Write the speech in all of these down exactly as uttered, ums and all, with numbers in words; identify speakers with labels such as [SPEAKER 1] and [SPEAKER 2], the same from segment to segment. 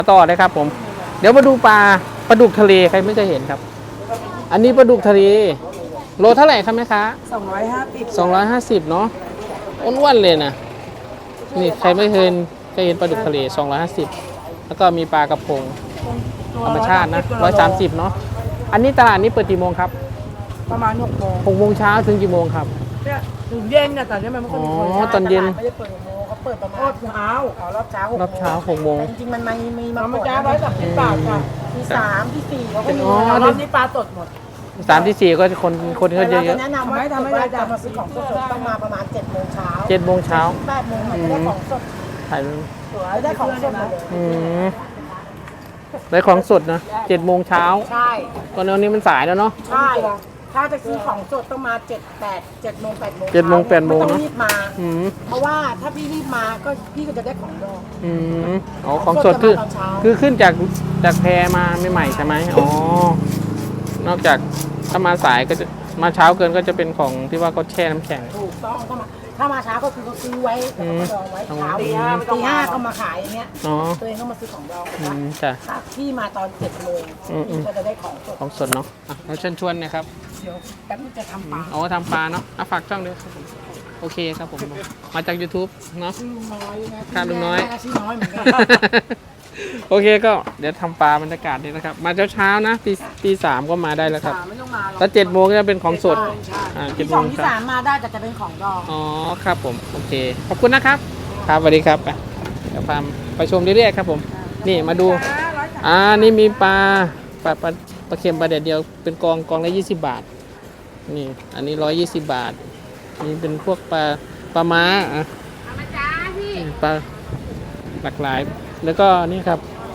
[SPEAKER 1] ต่อเลยครับผมเดี๋ยวมาดูปลาปลาดุกทะเลใครไม่เคยเห็นครับ อันนี้ปลาดุกทะเลโลเท่าไหร่ครับแม่ค้า
[SPEAKER 2] สองร้อยห้าสิบ
[SPEAKER 1] สองร้อยห้าสิบเนาะอ้วนๆเลยนะนี่ใครไม่เคยเคยเห็นปลาดุกทะเลสองร้อยห้าสิบแล้วก็มีปลากระพงธรรมชาตินะร้อยสามสิบเนาะอันนี้ตลาดนี้เปิดกี่โมงครับ
[SPEAKER 2] ประมาณหกโมง
[SPEAKER 1] หกโมงเช้าถึงกี่โมงครับ
[SPEAKER 2] เนี่ยถึงเย็นเนี่ยตอนนี้มันไม่ค่อยมีคน
[SPEAKER 1] อ๋อตอนเย็น
[SPEAKER 3] ไม่ได้เปิดหกโมงเขาเปิดประมาณ
[SPEAKER 2] รอบเช้า
[SPEAKER 3] อ๋อรอบเช้าร
[SPEAKER 1] อบเช้าหกโมง
[SPEAKER 3] จริงๆมันมีมีมา
[SPEAKER 2] มันจ้าร้อยสามสิบบาทค่ะ
[SPEAKER 3] มีสามที่สี่เขาก็มี
[SPEAKER 2] รอบนี้ปลาสดหมด
[SPEAKER 1] สามที่สี่ก็คนคนเขาเยอะเยอะ
[SPEAKER 3] แนะนำว่าถ้าไม่ได้จะมาซื้อของสดๆต้องมาประมาณเจ็ดโมงเช้า
[SPEAKER 1] เจ็ดโมงเช้า
[SPEAKER 3] แปดโมงมันจะได้ของสด
[SPEAKER 1] ถ่าย
[SPEAKER 3] ได้ของสดมาเลย
[SPEAKER 1] อืมได้ของสดนะเจ็ดโมงเช้า
[SPEAKER 3] ใช่
[SPEAKER 1] ตอนนี้มันสายแล้วเนาะ
[SPEAKER 3] ใช่ถ้าจะซื้อของสดต้องมาเจ็ดแปดเจ็ดโมงแปดโมง
[SPEAKER 1] เจ็ดโมงแปดโมง
[SPEAKER 3] ต้อ
[SPEAKER 1] เนาะ
[SPEAKER 3] งรีบมา
[SPEAKER 1] อืม
[SPEAKER 3] เพราะว่าถ้าพี่รีบมาก็พี่ก็จะได้ของดอง
[SPEAKER 1] อืมอ๋อของสดคือคือขึ้นจากจากแพมาใหม่ๆใช่ไหมอ๋อนอกจากถ้ามาสายก็จะมาเช้าเกินก็จะเป็นของที่ว่าเขาแช่น้ำแข็ง
[SPEAKER 3] ถูกต้องก็มาถ้ามาเช้าก็คือเขาซื้อไว้แล้วก็ดองไว้เช้าตีห้าตีห้าก็มาขายอย่างเงี้ยตัวเองก็มาซื้อของดอง
[SPEAKER 1] จ้ะ
[SPEAKER 3] ถ้าพี่มาตอนเจ็ดโมงพี่ก็จะได้ของสด
[SPEAKER 1] ของสดเนาะเราเชิญชวนนะครับ
[SPEAKER 3] เดี๋ยวแป๊บนึงจะทำปลา
[SPEAKER 1] เอาทำปลาเนาะเอาฝากช่องด้วยครับผมโอเคครับผมมาจาก YouTube เนาะ
[SPEAKER 3] ชื่อน้อย
[SPEAKER 1] ครับลุงน้อย
[SPEAKER 3] ชื่อน้อยเหมือนกัน
[SPEAKER 1] โอเคก็เดี๋ยวทำปลาบรรยากาศนี่นะครับมาเช้าๆนะตีตีสามก็มาได้แล้วครับ
[SPEAKER 3] ไม่ต้องมา
[SPEAKER 1] แล้วเจ็ดโมงก็จะเป็นของสด
[SPEAKER 3] อ่าเจ็ดโมงที่สามมาได้แต่จะเป็นของดอง
[SPEAKER 1] อ๋อครับผมโอเคขอบคุณนะครับครับสวัสดีครับไปเดี๋ยวพาไปชมเรื่อยๆครับผมนี่มาดูอ่านี่มีปลาปลาปลาปลาเค็มปลาแดดเดียวเป็นกองกองละยี่สิบบาทนี่อันนี้ร้อยยี่สิบบาทนี่เป็นพวกปลาปลาม้าอ่ะปลาหลากหลายแล้วก็นี่ครับ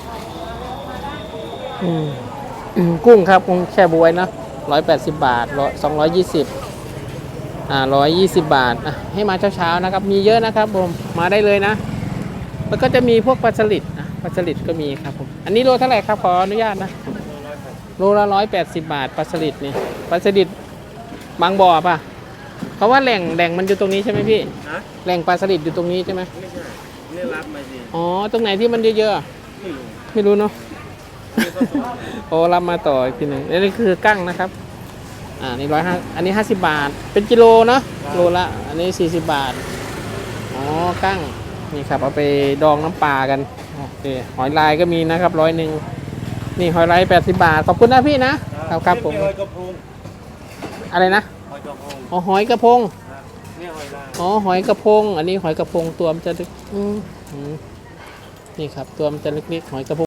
[SPEAKER 1] อืมกุ้งครับกุ้งแช่บวยนะร้อยแปดสิบบาทร้อยสองร้อยยี่สิบอ่าร้อยยี่สิบบาทอ่ะให้มาเช้าๆนะครับมีเยอะนะครับผมมาได้เลยนะแล้วก็จะมีพวกปลาสลิดนะปลาสลิดก็มีครับผมอันนี้โลเท่าไหร่ครับขออนุญาตนะโลละร้อยแปดสิบบาทปลาสลิดนี่ปลาสลิดบางบ่อป่ะเพราะว่าแหล่งแหล่งมันอยู่ตรงนี้ใช่ไหมพี่แหล่งปลาสลิดอยู่ตรงนี้ใช่ไหม
[SPEAKER 4] ไม่ใช่นี่รับมาสิ
[SPEAKER 1] อ๋อตรงไหนที่มันเยอะๆไม่รู้เนาะโอ้รับมาต่ออีกทีหนึ่งนี่คือกั้งนะครับอ่านี่ร้อยห้าอันนี้ห้าสิบบาทเป็นกิโลเนาะโลละอันนี้สี่สิบบาทอ๋อกั้งนี่ครับเอาไปดองน้ำปลากันโอเคหอยลายก็มีนะครับร้อยหนึ่งนี่หอยลายแปดสิบบาทขอบคุณนะพี่นะครับครับผมอะไรนะอ๋อหอยกระพงอ๋อหอยกระพงอันนี้หอยกระพงตัวมันจะอืมนี่ครับตัวมันจะเล็กๆหอยกระพง